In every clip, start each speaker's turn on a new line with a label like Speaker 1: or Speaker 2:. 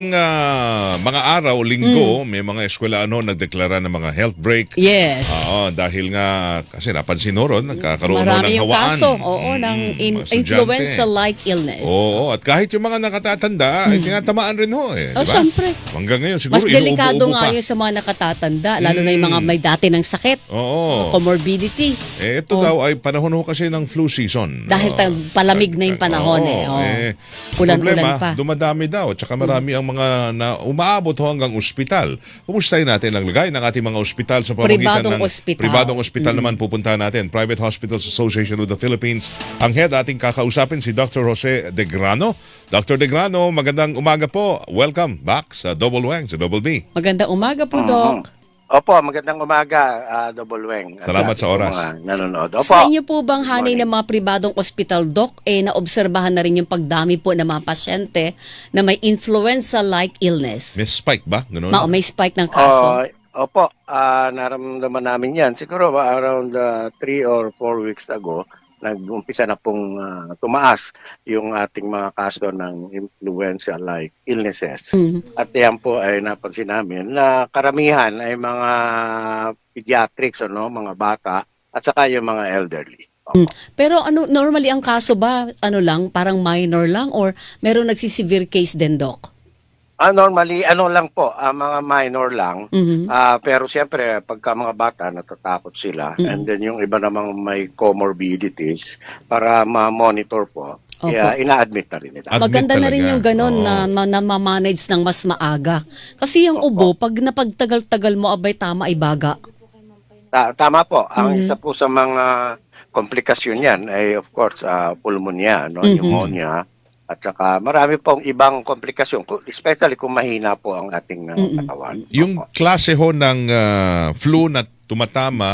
Speaker 1: Mga araw, linggo, may mga eskwelaano nagdeklara ng mga health break.
Speaker 2: Yes.
Speaker 1: Oo, dahil nga, kasi napansin ho ron, nagkakaroon ho ng
Speaker 2: Marami yung
Speaker 1: hawaan.
Speaker 2: kaso, ng
Speaker 1: mga estudyante.
Speaker 2: influenza-like illness.
Speaker 1: Oo, at kahit yung mga nakatatanda, ay tinatamaan rin ho eh.
Speaker 2: Oh,
Speaker 1: Diba?
Speaker 2: syempre.
Speaker 1: Hanggang ngayon, siguro
Speaker 2: Mas delikado
Speaker 1: inuubo-ubo
Speaker 2: nga
Speaker 1: pa.
Speaker 2: yun sa mga nakatatanda, lalo na yung mga may dati ng sakit,
Speaker 1: Oo.
Speaker 2: comorbidity.
Speaker 1: Ito daw ay panahon ho kasi ng flu season.
Speaker 2: Dahil palamig na yung panahon Ulan-ulan
Speaker 1: problema,
Speaker 2: pa.
Speaker 1: dumadami daw. At saka marami ang mga na umaabot ho hanggang ospital. Kumustahin natin ang lagay ng ating mga ospital sa pamamagitan
Speaker 2: Pribadong
Speaker 1: ng
Speaker 2: ospital.
Speaker 1: pribadong ospital naman pupuntahan natin. Private Hospitals Association of the Philippines. Ang head ating kakausapin si Dr. Jose De Grano. Dr. De Grano, magandang umaga po. Welcome back sa Double Wang, sa Double B.
Speaker 2: Magandang umaga po, Doc.
Speaker 3: Opo, magandang umaga, Double Weng.
Speaker 1: Salamat sa oras.
Speaker 3: Mga nanonood. Opo.
Speaker 2: Sa inyo po bang hanay ng mga pribadong ospital, Doc, naobserbahan na rin yung pagdami po ng mga pasyente na may influenza-like illness?
Speaker 1: May spike ba? Ganun?
Speaker 2: May spike ng kaso?
Speaker 3: Opo, naramdaman namin yan. Siguro around 3 or 4 weeks ago, nag-umpisa na pong tumaas yung ating mga kaso ng influenza-like illnesses. At yan po ay napansin namin na karamihan ay mga pediatrics, mga bata, at saka yung mga elderly.
Speaker 2: Pero normally ang kaso ba, parang minor lang or meron nagsisevere case din, Doc?
Speaker 3: Normally, lang po, mga minor lang. Pero siyempre, pagka mga bata, natatakot sila. And then yung iba namang may comorbidities para ma-monitor po. Kaya ina-admit na rin nila.
Speaker 2: Maganda na
Speaker 1: talaga.
Speaker 2: rin yung ganun na ma-manage ng mas maaga. Kasi yung ubo, pag napagtagal-tagal mo, abay tama ay baga.
Speaker 3: Tama po. Ang isa po sa mga komplikasyon yan ay of course pulmonya, pneumonia. At saka marami pong ibang komplikasyon, especially kung mahina po ang ating katawan.
Speaker 1: Yung klase ho ng flu na tumatama,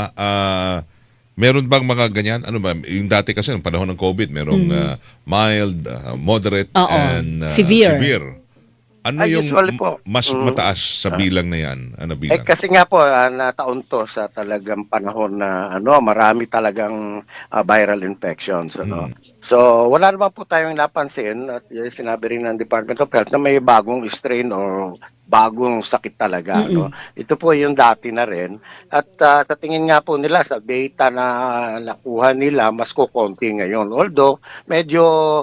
Speaker 1: meron bang mga ganyan? Ano ba? Yung dati kasi, ng panahon ng COVID, merong mild, moderate, and severe. Ano yung
Speaker 3: usually po,
Speaker 1: mas mataas sa bilang na yan? Ano bilang?
Speaker 3: Kasi nga po, nataon to sa talagang panahon na marami talagang viral infections. So, wala naman po tayong napansin at sinabi rin ng Department of Health na may bagong strain o bagong sakit talaga. Ito po yung dati na rin. At sa tingin nga po nila, sa data na nakuha nila, mas kukonti ngayon. Although, medyo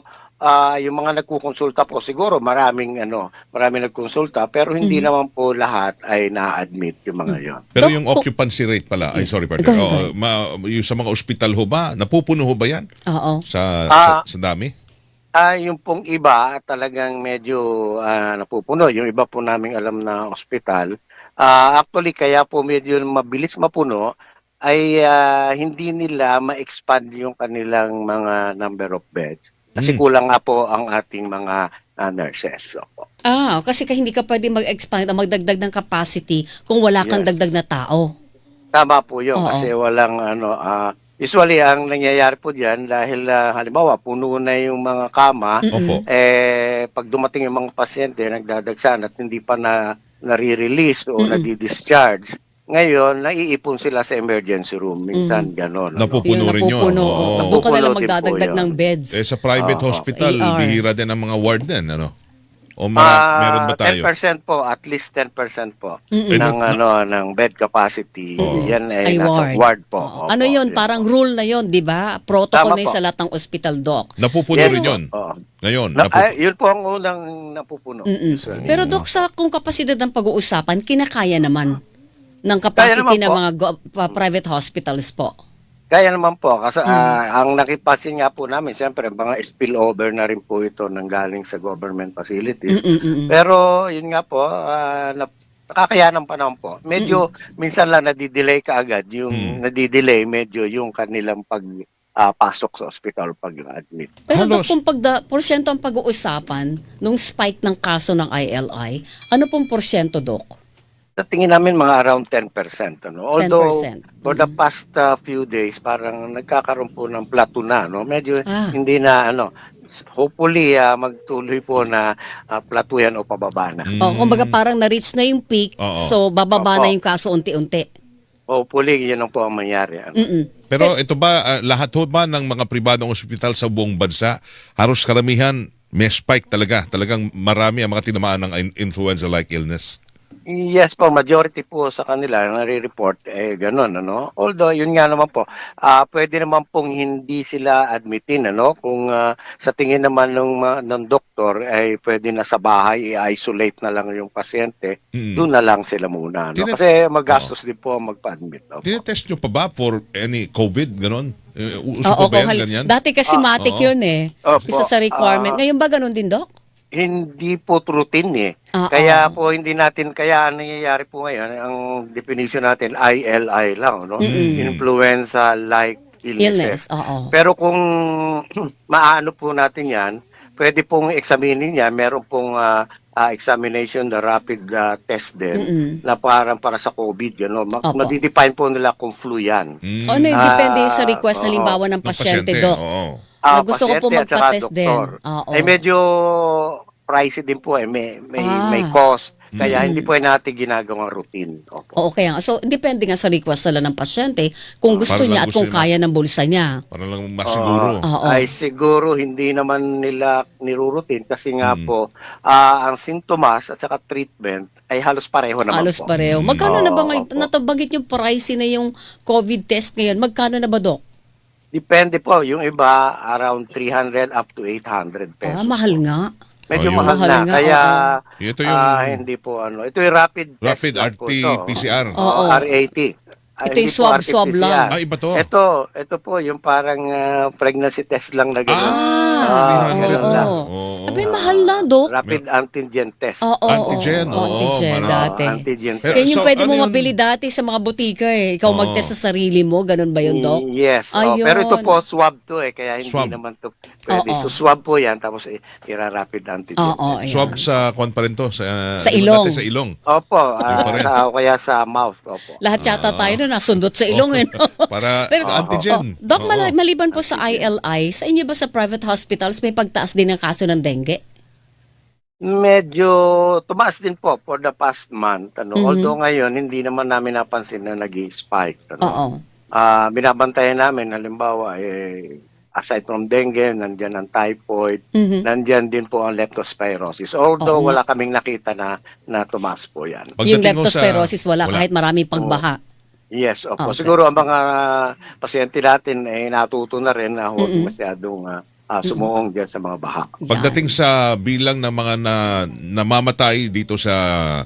Speaker 3: yung mga nagkukonsulta po siguro maraming nagkonsulta pero hindi naman po lahat ay na-admit yung mga yon.
Speaker 1: Pero yung occupancy rate pala, ay sorry partner, yung sa mga ospital ho ba, napupuno ho ba yan?
Speaker 2: Oo.
Speaker 1: Sa dami?
Speaker 3: Yung pong iba talagang medyo napupuno. Yung iba po naming alam na ospital, actually kaya po medyo mabilis mapuno ay hindi nila ma-expand yung kanilang mga number of beds. Kasi kulang nga po ang ating mga nurses.
Speaker 2: Kasi hindi ka pwede mag-expand o magdagdag ng capacity kung wala kang dagdag na tao.
Speaker 3: Tama po yun. Kasi walang usually ang nangyayari po diyan dahil halimbawa puno na yung mga kama, pag dumating yung mga pasyente nagdadagsan at hindi pa nare-release o nadi-discharge. Ngayon, naiipon sila sa emergency room. Minsan, gano'n.
Speaker 1: Napupuno rin yun.
Speaker 2: Doon ka na lang magdadagdag ng beds.
Speaker 1: Sa private hospital, bihira din ang mga warden, O meron ba tayo?
Speaker 3: 10% po, at least 10% po ng bed capacity. Yan ay nasa ward po.
Speaker 2: Ano yun? Parang rule na yun, di ba? Protocol na yun sa lahat ng hospital, Doc.
Speaker 1: Napupuno rin yun. Ngayon.
Speaker 3: Yun po ang unang napupuno.
Speaker 2: Pero Doc, kung kapasidad ng pag-uusapan, kinakaya naman ng capacity ng mga private hospitals po.
Speaker 3: Kaya naman po, kasi ang nakipasin nga po namin, siyempre, mga spillover na rin po ito nang galing sa government facilities. Pero, yun nga po, nakakayanan pa naman po. Medyo, minsan lang nadidelay kaagad. Yung nadidelay, medyo yung kanilang pasok sa ospital pag-admit.
Speaker 2: Pero Dok, kung porsyento ang pag-uusapan nung spike ng kaso ng ILI, ano pong porsyento, Dok?
Speaker 3: Sa tingin namin mga around 10%. Although
Speaker 2: 10%.
Speaker 3: For the past few days, parang nagkakaroon po ng plateau na. Hindi na, hopefully magtuloy po na plateau yan o pababa na.
Speaker 2: Kumbaga parang na-reach na yung peak, so bababa na yung kaso unti-unti.
Speaker 3: Hopefully, yun ang po ang mangyari.
Speaker 1: Pero ito ba, lahat ho ba ng mga pribadong ospital sa buong bansa, halos karamihan, may spike talaga. Talagang marami ang mga tinamaan ng influenza-like illness.
Speaker 3: Yes po, majority po sa kanila nare-report ganun, ano. Although yun nga naman po, pwede naman pong hindi sila admitin, ano, kung sa tingin naman ng doktor ay pwede na sa bahay i-isolate na lang yung pasyente, doon na lang sila muna, no. Kasi magastos din po magpa-admit. Opo.
Speaker 1: Tinetest nyo pa ba for any COVID, ganon? Uso
Speaker 2: Oo,
Speaker 1: pa ba yan, ganyan?
Speaker 2: dati kasi matik yun eh.
Speaker 3: Opo.
Speaker 2: Isa sa requirement. Ngayon ba ganun din, Doc?
Speaker 3: Hindi po routine eh.
Speaker 2: Oo.
Speaker 3: Kaya po hindi natin, kaya ang nangyayari po ngayon, ang definition natin ILI lang, no? Influenza-like
Speaker 2: Illness,
Speaker 3: illnesses.
Speaker 2: oo.
Speaker 3: Pero kung maano po natin yan, pwede pong examinin yan, meron pong examination, the rapid test din, na parang para sa COVID, you know?
Speaker 2: Opo.
Speaker 3: Madidefine po nila kung flu yan.
Speaker 2: O, depende sa request halimbawa ng pasyente, Doc.
Speaker 1: Oo.
Speaker 2: Na gusto ko po
Speaker 3: Pasyente at saka
Speaker 2: magpa-test din.
Speaker 3: doktor.
Speaker 2: Oo.
Speaker 3: Medyo pricey din po may cost. Kaya hindi po natin ginagawang routine. Opo.
Speaker 2: Oo, kaya. So, depende nga sa request nila ng pasyente kung gusto
Speaker 1: Para
Speaker 2: niya
Speaker 1: lang
Speaker 2: at kung
Speaker 1: gusto niya.
Speaker 2: kaya ng bulsa niya.
Speaker 1: Para lang masiguro.
Speaker 2: Oo.
Speaker 3: Ay siguro hindi naman nila nirurutin kasi nga po ang sintomas at saka treatment ay halos pareho naman
Speaker 2: Halos
Speaker 3: po.
Speaker 2: pareho. Magkano na ba ngayon?
Speaker 3: Opo.
Speaker 2: Natabagit yung pricey na yung COVID test ngayon. Magkano na ba, Doc?
Speaker 3: Depende po. Yung iba around 300 up to 800 pesos.
Speaker 2: Mahal nga.
Speaker 3: Medyo
Speaker 1: Ayun.
Speaker 3: mahal
Speaker 2: Mahal
Speaker 3: na.
Speaker 2: nga,
Speaker 3: Kaya
Speaker 1: Ito yung
Speaker 3: hindi po ano. Ito yung rapid test lang po ito.
Speaker 1: RT-PCR.
Speaker 2: Oo.
Speaker 3: RAT.
Speaker 2: Ito
Speaker 3: Hindi
Speaker 2: yung
Speaker 3: po
Speaker 2: swab
Speaker 3: RT-PCR.
Speaker 2: lang.
Speaker 1: Iba to.
Speaker 3: Ito po yung parang pregnancy test lang na gano'n.
Speaker 2: oo.
Speaker 3: Ganun lang.
Speaker 1: Oo.
Speaker 2: Abay, mahal na, Doc.
Speaker 3: Rapid antigen test.
Speaker 2: Oo,
Speaker 1: Antigen,
Speaker 2: oo,
Speaker 1: oo,
Speaker 2: antigen
Speaker 1: marami.
Speaker 2: dati.
Speaker 3: Antigen
Speaker 1: Pero-
Speaker 3: test.
Speaker 2: Yan yung
Speaker 1: So,
Speaker 2: pwede
Speaker 1: ano
Speaker 2: mo
Speaker 1: yun?
Speaker 2: mabili dati sa mga butika eh. Ikaw
Speaker 1: Oo.
Speaker 2: mag-test sa sarili mo. Ganun ba yun, Doc?
Speaker 3: Yes.
Speaker 2: Ayun.
Speaker 3: Pero ito po swab to kaya hindi
Speaker 1: Swab.
Speaker 3: naman to pwede.
Speaker 2: Oo.
Speaker 3: So swab po yan tapos ira-rapid antigen
Speaker 2: Oo,
Speaker 3: test.
Speaker 2: ayan.
Speaker 1: Swab sa kwan pa rin to. Sa
Speaker 2: ilong.
Speaker 1: Sa ilong.
Speaker 3: Opo,
Speaker 1: Yun pa rin.
Speaker 3: kaya sa mouth. Opo.
Speaker 2: Lahat yata tayo na nasundot sa ilong eh. no?
Speaker 1: Para
Speaker 2: Pero,
Speaker 1: antigen.
Speaker 2: Doc,
Speaker 1: Oo.
Speaker 2: maliban po sa ILI, sa inyo ba sa private hospitals may pagtaas din ng kaso ng dengue?
Speaker 3: Medyo tumaas din po for the past month. Although ngayon, hindi naman namin napansin na nag-spike.
Speaker 2: Oo.
Speaker 3: Binabantayan namin, halimbawa, aside from dengue, nandyan ang typhoid, nandyan din po ang leptospirosis. Although
Speaker 2: Oo.
Speaker 3: wala kaming nakita na tumaas po yan.
Speaker 2: Yung
Speaker 1: Pagdating mo sa-
Speaker 2: leptospirosis wala kahit marami pagbaha.
Speaker 3: Yes, opo.
Speaker 2: Okay.
Speaker 3: Siguro ang mga pasyente natin ay natuto na rin na huwag masyadong sumuong dyan sa mga baha.
Speaker 1: Pagdating sa bilang ng mga namamatay dito sa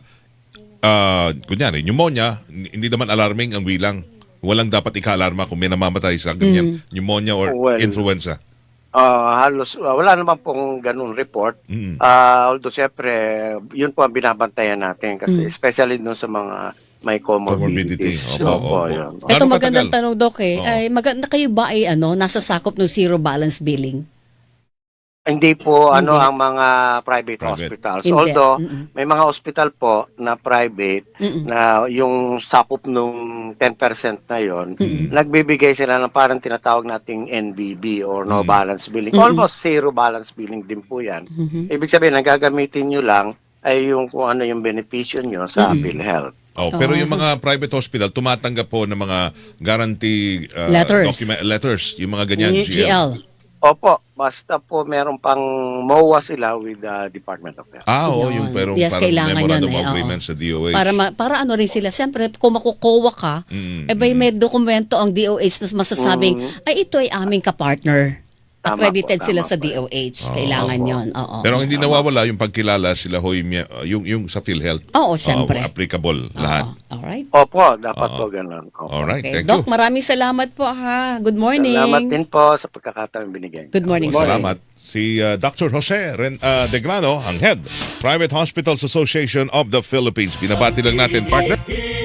Speaker 1: kunyari, pneumonia, hindi naman alarming ang bilang. Walang dapat ika-alarma kung may namamatay sa ganyan, pneumonia or
Speaker 3: Well,
Speaker 1: influenza.
Speaker 3: Halos wala naman pong ganun report. Although siyempre, yun po ang binabantayan natin kasi especially dun sa mga may
Speaker 1: Comorbidity.
Speaker 3: comorbidities.
Speaker 1: Opo.
Speaker 3: Yun.
Speaker 2: Ito
Speaker 1: Gaano
Speaker 2: magandang
Speaker 1: katagal?
Speaker 2: tanong, Doc eh.
Speaker 1: Oo.
Speaker 2: Ay, maganda kayo ba ay nasa sakop ng zero balance billing?
Speaker 3: Hindi po
Speaker 2: Hindi.
Speaker 3: ang mga private hospitals.
Speaker 2: Hindi.
Speaker 3: Although
Speaker 2: Mm-mm.
Speaker 3: may mga hospital po na private na yung sakop nung 10% na yon, nagbibigay sila ng parang tinatawag nating NBB or no balance billing. Almost zero balance billing din po yan. Ibig sabihin, ang gagamitin nyo lang ay yung kung ano yung benepisyo nyo sa PhilHealth.
Speaker 1: Pero yung mga private hospital, tumatanggap po ng mga guarantee
Speaker 2: Letters.
Speaker 1: letters, yung mga ganyan.
Speaker 2: GL.
Speaker 3: Opo, basta po meron pang MOA sila with the Department of Health.
Speaker 1: Oo,
Speaker 2: Yun.
Speaker 1: yung pero
Speaker 2: Yes,
Speaker 1: parang
Speaker 2: kailangan
Speaker 1: memorandum
Speaker 2: yun
Speaker 1: of
Speaker 2: oo.
Speaker 1: agreement sa DOH.
Speaker 2: Para ano rin sila. Siyempre, kung makukuha ka, may dokumento ang DOH na masasabing, ay ito ay aming kapartner.
Speaker 3: Tama
Speaker 2: Accredited
Speaker 3: po,
Speaker 2: sila
Speaker 3: tama
Speaker 2: sa
Speaker 3: po.
Speaker 2: DOH. Kailangan yon. Oo.
Speaker 1: Pero ang hindi nawawala yung pagkilala sila hoy yung sa PhilHealth.
Speaker 2: Oo, siyempre.
Speaker 1: Applicable lahat.
Speaker 2: Alright.
Speaker 3: Opo, dapat po ganun. Opo.
Speaker 1: Alright,
Speaker 2: Okay.
Speaker 1: thank
Speaker 2: Doc,
Speaker 1: you.
Speaker 2: maraming salamat po ha. Good morning.
Speaker 3: Salamat din po sa pagkakataon binigay.
Speaker 2: Good morning, sir.
Speaker 1: Salamat. Si Dr. Jose De Grano, ang Head, Private Hospitals Association of the Philippines. Binabati lang natin, partner.